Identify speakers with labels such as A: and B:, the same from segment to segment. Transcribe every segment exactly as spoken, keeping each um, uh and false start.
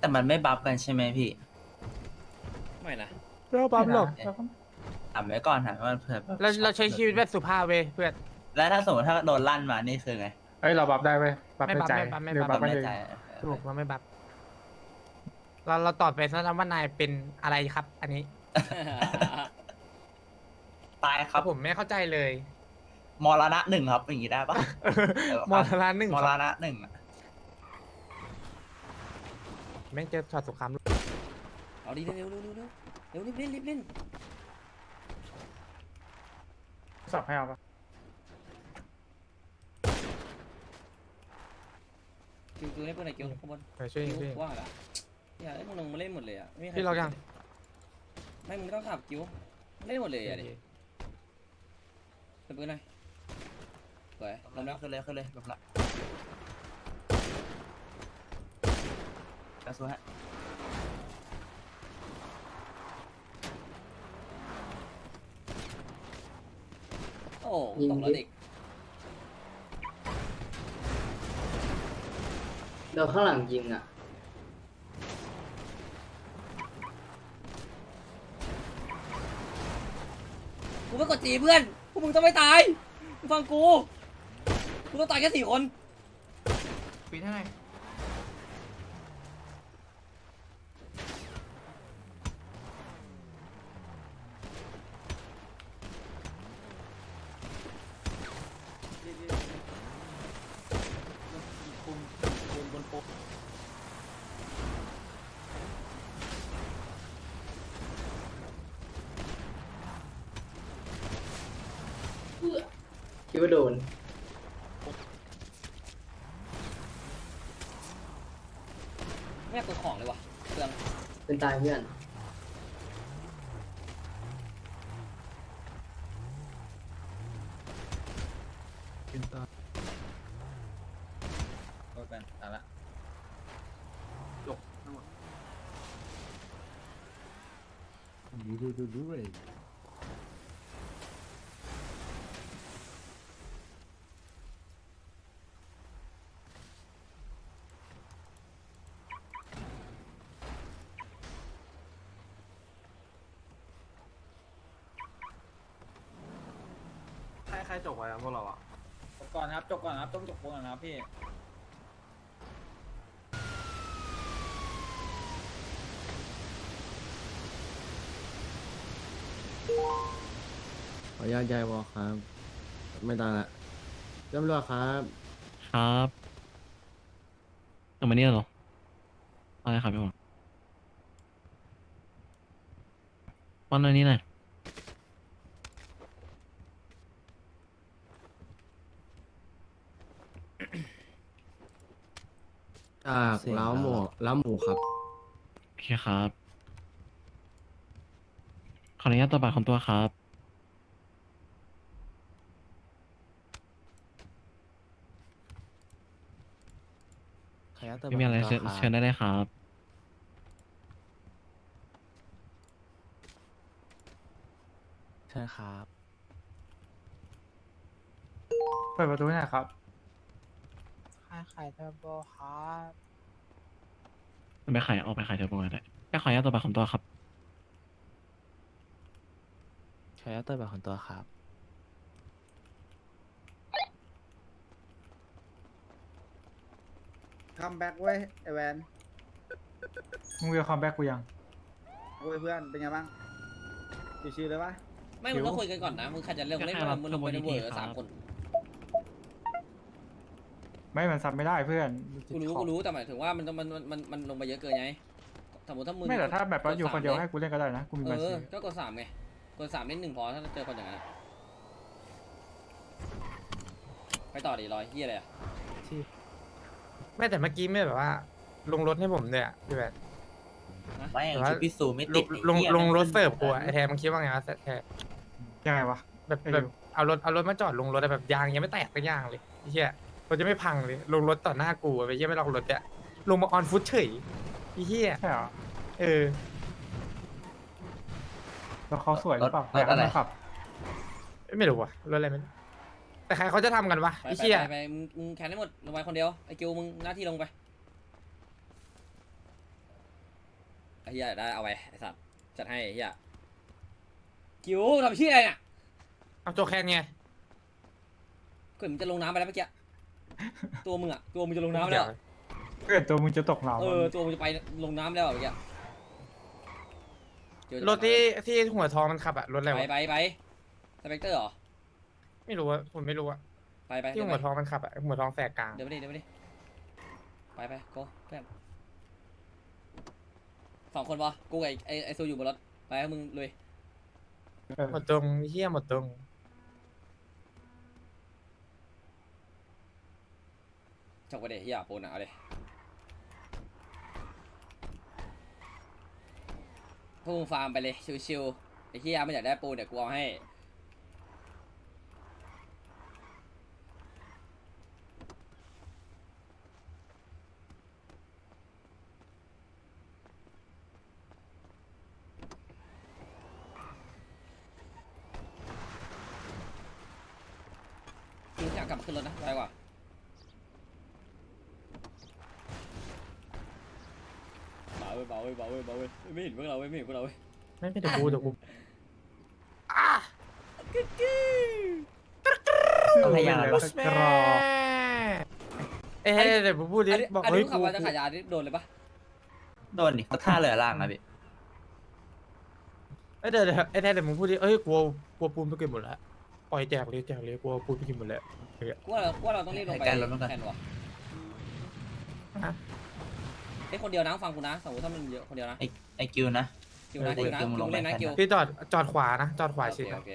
A: แต่มันไม่บัฟกันใช่ไหมพี่
B: ไม่นะ
C: เราปั๊มหรอก
A: ถามไว้ก่อนถามว่าเผื่อแบบ
D: เราเราใช้ชีวิตแบบสุภาพเว้ยเพื่อน
A: แล้วถ้าสมมติถ้าโดนลั่นมานี่คือไง
C: เอ้ยเราบัฟได้เว้ยบัฟ
D: ไม่
C: ใน
D: บัฟ
C: ใจ
D: ไม่บัฟไม่
C: หรือ
D: บั
C: บั
D: ฟ
C: ฟไม่
A: แน่
C: เลย
A: ใจ
D: ถูกเราไม่บัฟเราเราตอบไปซะนะว่านายเป็นอะไรครับ อันนี้
A: ตายค
D: ค
A: รั
D: รั
A: บบ
D: ผมไม่เข้าใจเลย
A: มรณะหนึ่งครับอย่างงี้ได้ปะ
D: มอทราหนึ่ง
A: ม
D: ค
A: ร
D: รับ
A: ณะหนึ่งอะ
D: แม่งเจอช็อตสงคราม
B: เอาดิเร็วเร็วเร็วเร็วเร็วรีบเล่นรีบเล่น
C: สับให้เอาปะ
B: คิวคิวให้เพื่อนหน่อยคิวข้างบน
D: ไปช่วย
B: คิว
D: ช่วย
B: ว่าละอย่าให้มึงลงมาเล่นหมดเลยอ่ะไม่มีใคร
D: พี่เรายัง
B: ไม่มึงไม่ต้องขับคิวเล่นหมดเลยอ่ะดิเป็นปืนหน่อยสวยลงแล้ว
A: ขึ้นเลยขึ้นเลยแบบละกระสุนฮะ
B: โอ้ตกแล้วเด็ก
E: โดนข้างหลังยิงอ่ะ
B: กูไม่กดจีเพื่อนพวกมึงต้องไม่ตายมึงฟังกูกูต้องตายแค่สี่คน
D: ปีเท่าไหร่
E: คิดว่าโดน
B: ไม่อยากกดของเลยว่ะเปลือง
E: เป็นตายเพื่อน
A: โดนกันตายละ
F: ใครใครจบไว้อะพวกเราอ่ะ
A: จบก่อนครับจบก่อนครับต้องจบก่อนนะครับพี่
G: ขออนุญาตย้ายวอลครับ ไม่ได้ละตำรวจครับ
H: ครับกลับมาเนี่ยเหรออะไรครับพี่หมอวันอันนี้หน่อย
G: จากเล้าหมูเล้าหมูครับ
H: โอเคครับ ขออนุญาตตัวบัตรของตัวครับ ไม่มีอะไรเชิญเชิญได้เลยครับ
F: ใช่ครับ
C: เปิดประตูให้หน่อยครับ
D: ขายขายเทอร์โบครับ
H: ไปขายออกไปขายเทอร์โบก็ได้แค่ขออนุญาตตัวบัตรของตัวครับ
F: ใช้เตอร์แบบของตัวครับ
I: คัมแบ็กเว้ยไอแวน
C: มึงเวลคัมแบ็กกูยัง
I: เว้ยเพื่อนเป็นไงบ้างชิวๆเลยปะ
B: ไม่มึงต้องคุยกันก่อนนะมึงใครจะเล่นเล่นมึงลงไปในเวอร์สามคน
C: ไม่มันซับไม่ได้เพื่อน
B: กูรู้กูรู้แต่หมายถึงว่ามันมันมันมันลงไปเยอะเกินไงสมมติถ้ามึง
C: ไม่แต่ถ้าแบบว่าอยู่คนเดียวให้กูเล่นก็ได้นะ กูมี
B: เอ
C: บัญชี
B: อก็กดสามไงกดสามเล่นหนึ่งพอถ้าเจอคนอย่างนั้นไปต่อดิรอยเฮียอะไรอ่ะ
D: ไม่แต่เมื่อกี้ไม่แบบว่า ลงรถให้ผมเนี่ยพี่แบบ
A: ไม่
D: แต่ว่า
A: ชุดพิสูจน์ไม่
D: ล
A: ติด
D: งลง
A: ไอ้หี้ย
D: ลงรถ
A: แม่
D: เสิร์ฟกูอะไอแทนมันคิดว่าไงวะแทน
C: ยังไงวะ
D: แบบ
C: ไอ้
D: แบ
C: ดิ
D: บ
C: ว
D: เอารถเอารถมาจอดลงรถอะแบบยางยังไม่แตกสักอย่างเลยไอ้เหี้ยรถจะไม่พังเลยลงรถต่อหน้ากูอะไปเหี้ยไม่ลองรถเนี่ยลงมาออนฟุตเฉยไอ้เหี้ย
C: ใช่เหรอ
D: เออ
C: แล้วเขาสวยหรือเปล่าร
A: ถอะไร
C: ยากให้เขาขับ
D: ไม่รู้ว่ะรถอะไรไม่รู้แต่ใครเขาจะทำกันวะ
B: ไป
D: ไอ้
B: ไป
D: เหี้ย
B: ไปไปมึงมึงแคนได้หมดลงไปคนเดียวไอ้กิวมึงหน้าที่ลงไปเฮียได้เอาไปไอ้สัตว์จัดให้ไอ้เฮียคิวทำชี้อะไรเนี่ย
D: เอาโจกแคนไง
B: ก็มึงจะลงน้ำไปแล้วเมื่อกี้ตัวมึงอะตัวมึงจะลงน้ำแล้ว
C: เกิดตัวมึงจะตกเหว
B: เออตัวมึงจะไปลงน้ำแล้วอะเมื่อกี้เจอ
D: รถที่ที่หัวทองมันขับอะรถอะไร
B: ไป
D: วะ
B: ไปไปสเปกเตอร์เหรอ
D: ไม่รู้ว่าผมไม่รู้อะ
B: ไปไป
D: ที่
B: เดิน
D: หัว
B: ไป
D: ทองมันขับอะหัวทองแสกกลาง
B: เดินไปดิเดินไปดิไปไปโก้เพื่อนสองคนปะกูกับไอ้ไอ้ไอ้ซูอยู่บนรถไปให้มึงลุย
C: เออ
D: หมดตรงเฮียหมดตรง
B: จบไปเดี๋ยวเฮียปูนอะเอาเลยพวกมึงฟาร์มไปเลยชิวๆไอ้เฮียไม่อยากได้ปูนเดี๋ยวกูเอาให้จริงอยากกลับมาขึ้นรถนะไปกว่าเบาเว้ยเบาเว้ยเบาเว้ยเบาเว้ยไม่เห็นพวกเราเว้ยไม่เห็นพวกเราเว้ย
D: ไม่เป็นเดี๋ยวกูเดี๋ยวกู
C: ต้องพยายามแล้วก็กรอ
D: เอ๊ะเดี๋ยวผมพูดดิ
B: อันนี้
D: บอก
B: อัน
D: เฮ้
B: นี้
D: ย
B: ขับ
D: กู
B: มาจะขายยานี่โดนเลยปะ
A: โดนดิเขาท่าเรือล่างนะพี่
D: เอ้ยเดี๋ยวเดี๋ยวไอ้แท้เดี๋ยวมึงพูดดิเอ้ยกลัวกลัวปูนไปกินหมดแล้วปล่อยแจกเลยแจกเลยกลัวปูนไปกินหมดแล้ว
B: กูว่าเรากูว่าเราต้องรีบลงไป
A: ให้การลดน้ำหนัก
B: แทนวะ
D: ฮะ
B: ไอ้ยคนเดียวนะฟังกูนะสมมติถ้ามันเยอะคนเดียวนะ
A: ไอไอกิวนะ
B: คิวนะ
A: เออ
B: คิวนะ
A: คิวมึง
B: คิ
A: ล
B: ว
A: งไป
B: เล่นนะ
A: แทน
B: คิว
D: พี่จอดจอดขวานะจอดขวา
B: โอ
D: ชิ
B: เค
D: ดนะ
B: โอเค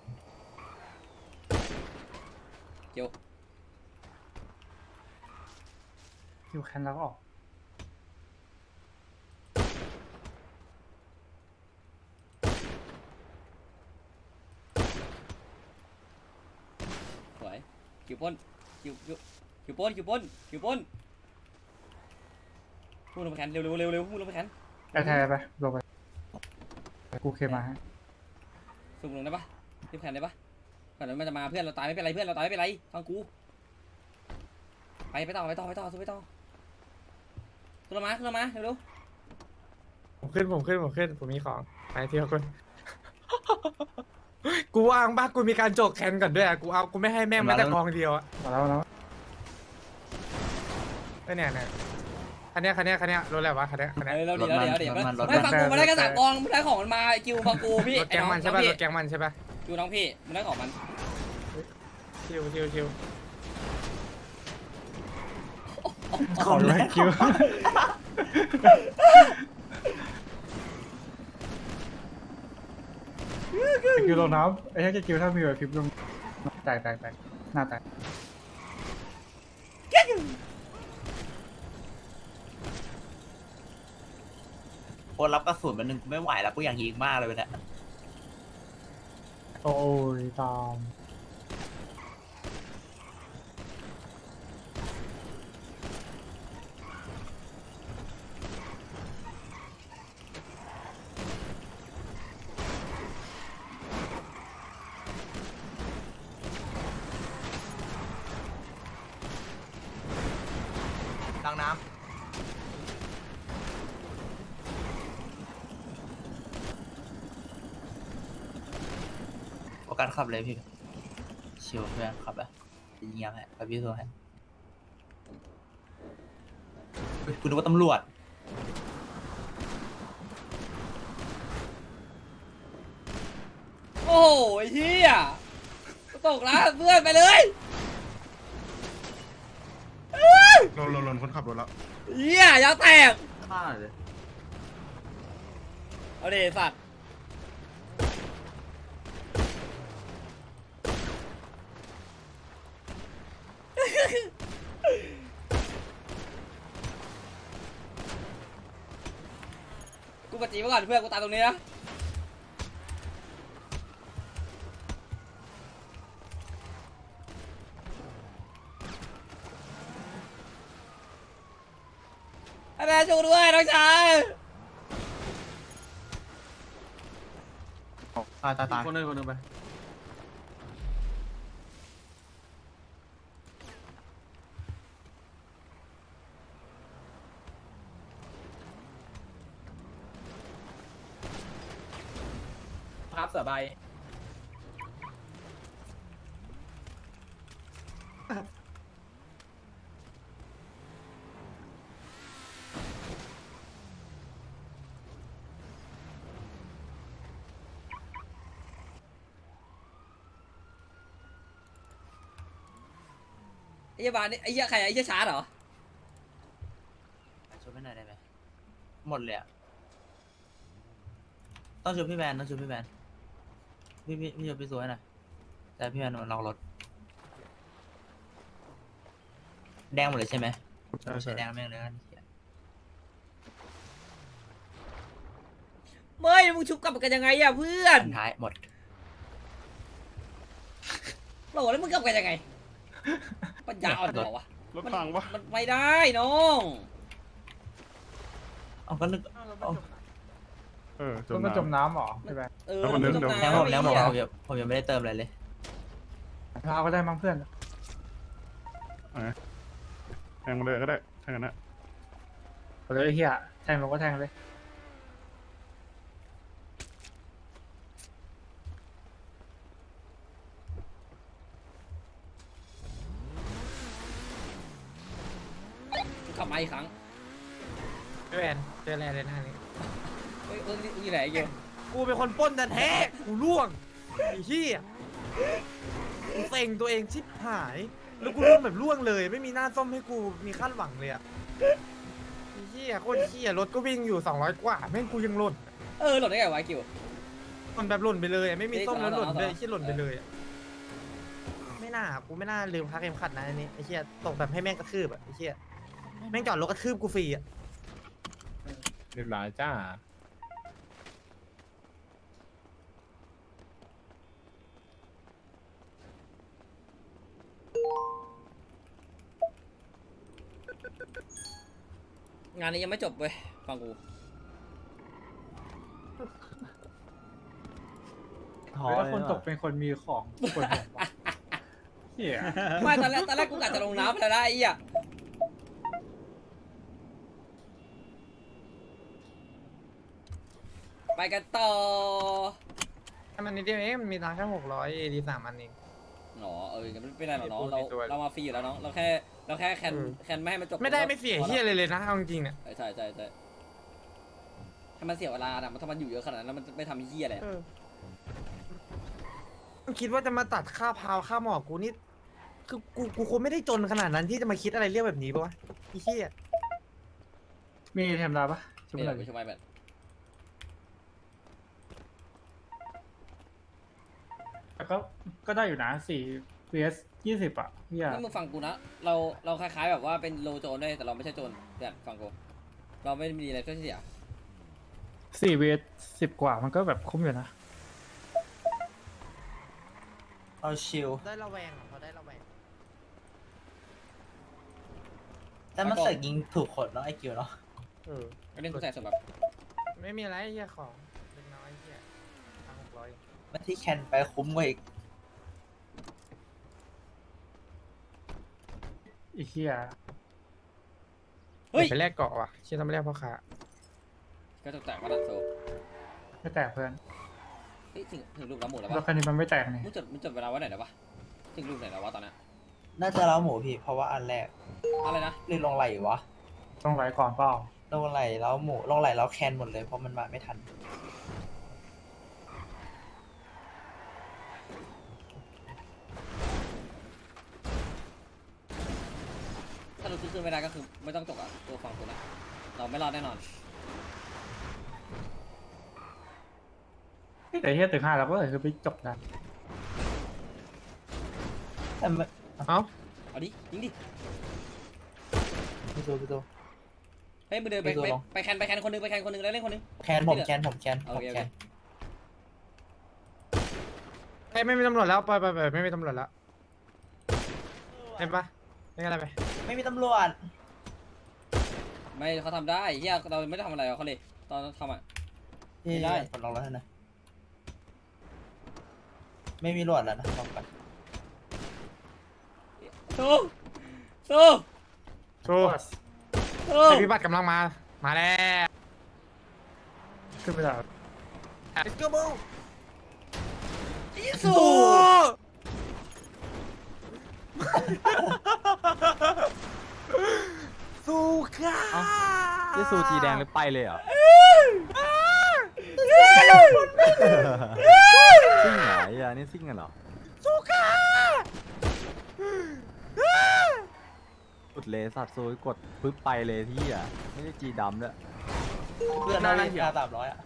B: คิว
C: คิวแคนแล้วก็ออก
B: สวยคิวป้นคิวคิวคิวป้นคิวป้นคิวป้นพูดลงไปแขนเร็วเร็วเร็วเร็วพูดลงไปแขน
C: ไอ้แทนไปลงไปกูเคมาฮะ
B: สุ่มลงได้ปะรีบแขนได้ปะก่อนเดี๋ยวมันจะมาเพื่อนเราตายไม่เป็นไรเพื่อนเราตายไม่เป็นไรฟังกูไปไปต่อไปต่อไปต่อสู้ไปต่อขึ้นมาขึ้นมาเร็วเร็ว
D: ผมขึ้นผมขึ้นผมขึ้นผมมีของไปเที่ยวคน กูวางบ้ากูมีการโจกแคนก่อนด้วยอะกูเอากูไม่ให้แม่งแม้แต่กองเดียวอะ
C: มาแล้วมาแล้ว
D: ไอ้เนี่ยเนี่ยคันเนี้ยคันเนี้ยคันเนี้ยรถอะไรวะคันเนี้ยคันเนี้ย
B: เออเราเดี๋ยวเดี๋ยวเดี๋ยว
A: รถมันรถมัน
B: ไม่ฟังกูมาได้แค่สามกองมึงได้ของมันมาไอ้คิวฟังกูพี่
D: รถแกงมันใช่ป่ะรถแกงมันใช่ป่ะ
B: คิวน้องพี่มึงได้ของมัน
D: ชิวชิวชิว
C: ขอเลยคิวคิวลงน้ำไอ้แค่คิวถ้ามีแบบพิมพ์ลงแตกแตกแตกหน้าแตก
A: โอนรับกระสุนมันหนึ่งกูไม่ไหวแล้วกูอยากยิงมากเลยเนี่ย
C: โอ้ยตาม
A: ดังน้ำโอกาสขับเลยพี่ชิวเพื่อนขับอะยิงยังไงกับพี่ตัวให้เฮ้ยคุณนึกว่าตำรวจ
B: โอ้โหไอ้เหี้ยตกแล้วเพื่อนไปเลย
G: ลนลนลนคนขับรถแล้ว
B: เหี้ยยางแตก
A: ฆ่าเลย
B: เอาดิสัตว์กูกดจีมาก่อนเพื่อนกูตายตรงนี้นะไอ้แม่ชูด้วยน้องชาย
A: ตายตายตาย
F: คนนึงคนนึงไป
B: ไ
A: สือใบ
B: ไอ้เหี้ยบานนี่ไอ้เหี้ยใครอะไอ้เหี้ยชาร์ดเหรอ
A: ช่วยไม่หน่อยได้ไหมหมดเลยอะต้องช่วยพี่แบนต้องช่วยพี่แบนพี่พี่พี่ช่วยพี่สวยหน่อยแต่พี่แบนมันล็อกรถแดงหมดเลยใช่ไหม
C: ใช่
A: ไม่
C: ใช่
A: ใช่แดงแม่งเลยกัน
B: เมื่อยมึงชุบกลับกันยังไงอะเพื่อน
A: อันท้ายหมด
B: โหลแล้วมึงกลับกันยังไงปัญญาอ่อนเหรอวะ
F: รถพังปะ
B: มันไม่ได้น้อง
A: เอาก็นึกเอา
F: เออจ
C: ต้
F: ม
C: นมันจม
F: น้
C: น้ำเหรอใช่ไหม
B: เออ
F: แล้วมันเดิน
B: จ
F: เดี๋ยว
A: แดงผมแดงผม
B: ไอ้
A: ผม
B: เหี้ย
A: ยังผมยังไม่ได้เติมอะไรเลย
C: เราก็ได้มั้งเพื่อน
F: ำแทงมาเลยก็ได้ถ้างั้นนะ
C: เอาเลยไอ้เหี้ยแทงลงก็แทงเลย
B: ขับมาอีกครั้ง
D: พี่แวนเจออะไรเลยหน้านี้
B: เฮ้ยเออนี่นี่ไหนไอ้เกี่ยว
D: กูเป็นคนปล้นแต่แท้ๆกูล่วงไอ้เหี้ยกูเซ็งตัวเองชิบหาย แล้วกูล่วงแบบล่วงเลย ไม่มีหน้าส้มให้กูมีคาดหวังเลยอะไอ้เหี้ยโคตรเหี้ยรถก็วิ่งอยู่สองร้อยกว่าแม่งกูยังหล่น
B: เออหล่นได้ไงวะไอ้เกี่ยว
D: หล่นแบบหล่นไปเลยอะไม่มีส้มแล้วหล่นเลย
B: เอ้ย
D: ไอ้เหี้ยหล่นไปเลยอะไม่น่ากูไม่น่าลืมพักเข็มขัดนะอันนี้ไอ้เหี้ยตกแบบให้แม่งกระทืบอะไอ้เหี้ยแม่งจอดรถกระทืบกูฟรีอะ
G: เรียบร้อยจ้า
B: งานนี้ยังไม่จบเว้ยฟังกู
A: ท้อ
C: แล้ว
A: เลย
C: คนตก
A: ว่ะ
C: เป็นคนมีของคนหัววะเหี้ย
B: ไม่ตอนแรกตอนแรกกูกะจะลงน้ำไปแล้วนะไอ้เหี้ยไปกันต่อ
D: ให้มันนิดเดียวเองมันมีตังค์แค่หกร้อยเอดีสามอันเอง
B: หนอเออไม่เป็นไรหรอกน้อง
D: มี
B: เรา
D: ตัว
B: เรามาฟรีอยู่แล้วน้องเราแค่เราแค่แคน
D: เออ
B: แคนไม่ให้มันจบ
D: ไม่ได้ไม่เสียเฮียเลยเลยนะเอาจริงๆเนี่ย
B: ใช่ใช่ใช่ใช่ถ้ามันเสียเวลาอะมันถ้ามันอยู่เยอะขนาดนั้นแล้วมันไม่ทำเหี้ยอะไรอะ
D: เออมึงคิดว่าจะมาตัดค่าพาวค่าหมอกกูนี่คือกูกูคงไม่ได้จนขนาดนั้นที่จะมาคิดอะไรเรื่องแบบนี้ปะวะไอ้เหี้ย
C: มีเทมดาปะช่วย
B: ไม่
C: ห
B: หร
C: น่
B: อ
C: อก ย
B: ไม่ใช่ไหมแบบ
C: แต่ก็ก็ได้อยู่นะสี่ vs ยี่สิบอ่ะเหี้ย
B: นี่มึงฟังกูนะเราเราคล้ายๆแบบว่าเป็นโลโจนด้วยแต่เราไม่ใช่โจนเนี่ยฟังกูเราไม่มีอะไรที่เสีย
C: สี่ vs สิบกว่ามันก็แบบคุ้มอยู่นะ
A: เอาชิล
D: ได้ระแวงเขาได้ระแวง
A: แต่มันเสกยิงถูกคนเนาะไอคิวเนาะ
D: เออ
B: ก็เล่นกูใส่สำหรับ
D: ไม่มีอะไรไอ้เหี้ยของเล็กน้อยไอ้เหี้ยตังหกร้อย
A: มาที่แคนไปคุ้มกว่าอีก
C: ไอ้เหี้ย
B: เฮ้ย
D: ไปแลกเกาะว่ะเชื่อทำไม่แลกพ่อค้า
B: ก็ตกแตกมาดันโซ
C: ไม่แตกเพื่อน
B: เฮ้ยถึงถึงลูกน้ำหมูแล้ว
C: รถ
B: ปะ
C: คันนี้มันไม่แตกนี่
B: มึงจดมึงจดเวลาไว้ไหนแล้วปะถึงลูกไหนแล้ววะตอนนั้น
A: น่าจะเล้าหมูพี่เพราะว่าอันแรก
B: อะไรนะ
A: หรือลงไหลวะ
C: ต้องไหลก่อนเปล่า
A: ลงไหลเล้าหมูลงไหลเล้าแคนหมดเลยเพราะมันมาไม่ทัน
B: ถ้าเราซื้อขึ้นไม่ได้ก็คือไม่ต้องจบอ่ะตัวฟังกูนะเราไม่รอดแน่นอน
C: แต่เหี้ยถึงห้าแล้วก็เลยคือไปจบนะ
A: แต่ไม่
D: เอ้า
B: เอาดิยิงดิ
A: พี่ตัวพี่ตัว
B: เฮ้ยมึงเดินไป
A: ไม่ตัว
B: ไป
A: หรอก
B: ไปแคนไปแคนคนหนึงไปแคนคนหนึงแล้วเล่นคนหนึง
A: แคนผมแคนผมแคนผ
B: โอ
A: ม
B: เคโอ
A: แค
B: เคน
D: เฮ้ยไม่มีตำรวจแล้วไปไปไปไม่มีตำรวจแล้วเห็นปะเล่นอะไรไป
A: ไม่มีตำรวจ
B: ไม่เขาทำได้เฮียเราไม่ได้ทำอะไรกับเขาเลยตอนทำอ่ะ
A: พี่
B: ไม่ได้
A: ปลดล็อกแล้วนะไม่มีตำรวจแล้วนะบอกก่อน
B: สู้สู้
D: โซ่
B: สู้
D: ไอพิบัติกำลังมามาแล้ว
C: ขึ้นไปแล้ว
D: let's go bro
B: สู้
D: สู้ค่ะ
J: จะสูจีแดงหรือไปเลยเหรอซิ่งเหรอไอ้ยานี่ซิ่งกันเหรอ
D: สู้ค่ะ
J: กดเลยสัตว์โซยกดปึ๊บไปเลยที่อ่ะไม่ได้จีดำด้วย
A: เพื่อนนั่งอยู่สามร้อยอ่ะ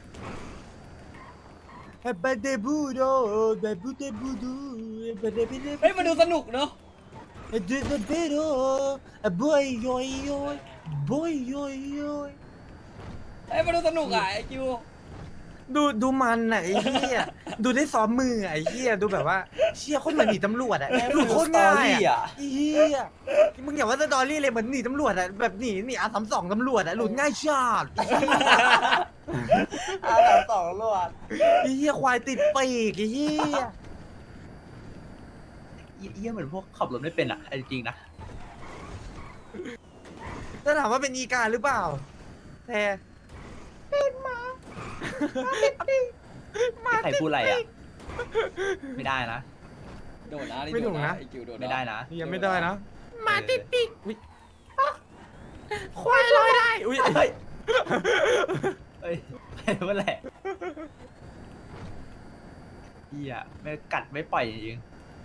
D: เบเดบูโดเบบูเดบูดูเบเดบูเด
B: เฮ้ยมาดูสนุกเนาะ
D: เดเดเบโดบอยยอยยอยบอยยอยยอย
B: เฮ้ยมาดูสนุกอ่ะไอคิว
D: ดูดูมันอ่ะไอ้เหี้ยดูได้ซ้อมมืออ่ะไอ้เหี้ยดูแบบว่าเชี่ยโคนเหมือนหนีตำรวจอ่ะดูโคตรง่ายอ่ะไอ้เหี้ยมึงอย่าว่าสตอรี่เลยเหมือนหนีตำรวจอ่ะแบบหนีหนีอาสามสองตำรวจอ่ะหลุดง่ายชาด
A: อาสามสองรวด
D: ไอ้เหี้ยควายติดปีกไอ้เหี้ย
A: เยี่ยเหมือนพวกขับรถไม่เป็นอ่ะจริงๆนะ
D: ถ้าถามว่าเป็นอีกาหรือเปล่าแต่เป็นหมา
A: ใครพูดอะไรอ่ะ ไม่ได้นะ
B: โดดนะนี่
D: ไม่
B: โด
D: ถู
B: ด
D: ก
B: นะ
D: นะ
B: ไอคิวโดดนะ
A: ไม่ได้นะ
D: ยังไม่ได้นะ
B: หมาติดปีก
D: ควายลอยได้อุ้ย
A: เฮ้ยเฮ้ยใครพูดอะไรเฮียไม่กัดไม่ปล่อยจริง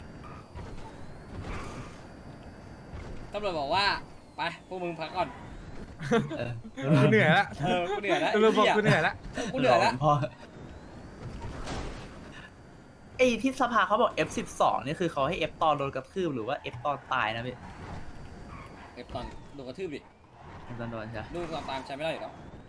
B: ตำรวจบอกว่าไปพวกมึงพักก่อน
A: ๆเออ
D: กูเหนื่อยละ
B: เออกูเหนื่อยแล้ว
D: ตำรวจบอกกูเหนื่อยละ
B: กูเหนื่อยแล้ว
A: พอไอ้ที่สภาเขาบอก เอฟ สิบสอง นี่คือเขาให้ F ตอนโดนกระทืบหรือว่า F ตอนตายนะพี่
B: เก็บตอนโดนกระทืบดิ
A: ตอนโดนใช่ไหม
B: ดูตามตามใช้ไม่ได้อยู่แล้ว